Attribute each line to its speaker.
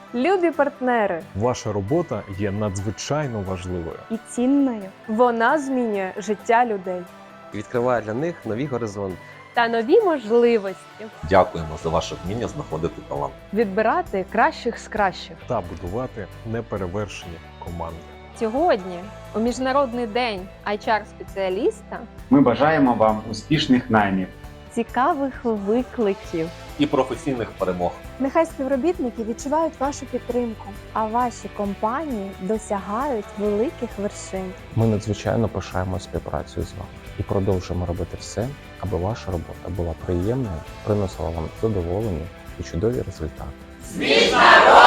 Speaker 1: Любі партнери,
Speaker 2: Ваша робота є надзвичайно важливою.
Speaker 3: І цінною.
Speaker 1: вона змінює життя людей
Speaker 4: і відкриває для них нові горизонти.
Speaker 1: та нові можливості
Speaker 5: Дякуємо за ваше вміння знаходити талант.
Speaker 1: відбирати кращих з кращих.
Speaker 2: Та будувати неперевершені команди.
Speaker 1: Сьогодні, у Міжнародний день HR-спеціаліста,
Speaker 6: Ми бажаємо вам успішних наймів.
Speaker 3: Цікавих викликів.
Speaker 5: І професійних перемог.
Speaker 3: Нехай співробітники відчувають вашу підтримку, а ваші компанії досягають великих вершин.
Speaker 7: Ми надзвичайно пишаємо співпрацею з вами і продовжуємо робити все, аби ваша робота була приємною, приносила вам задоволення і чудові результати.
Speaker 8: Міжнародний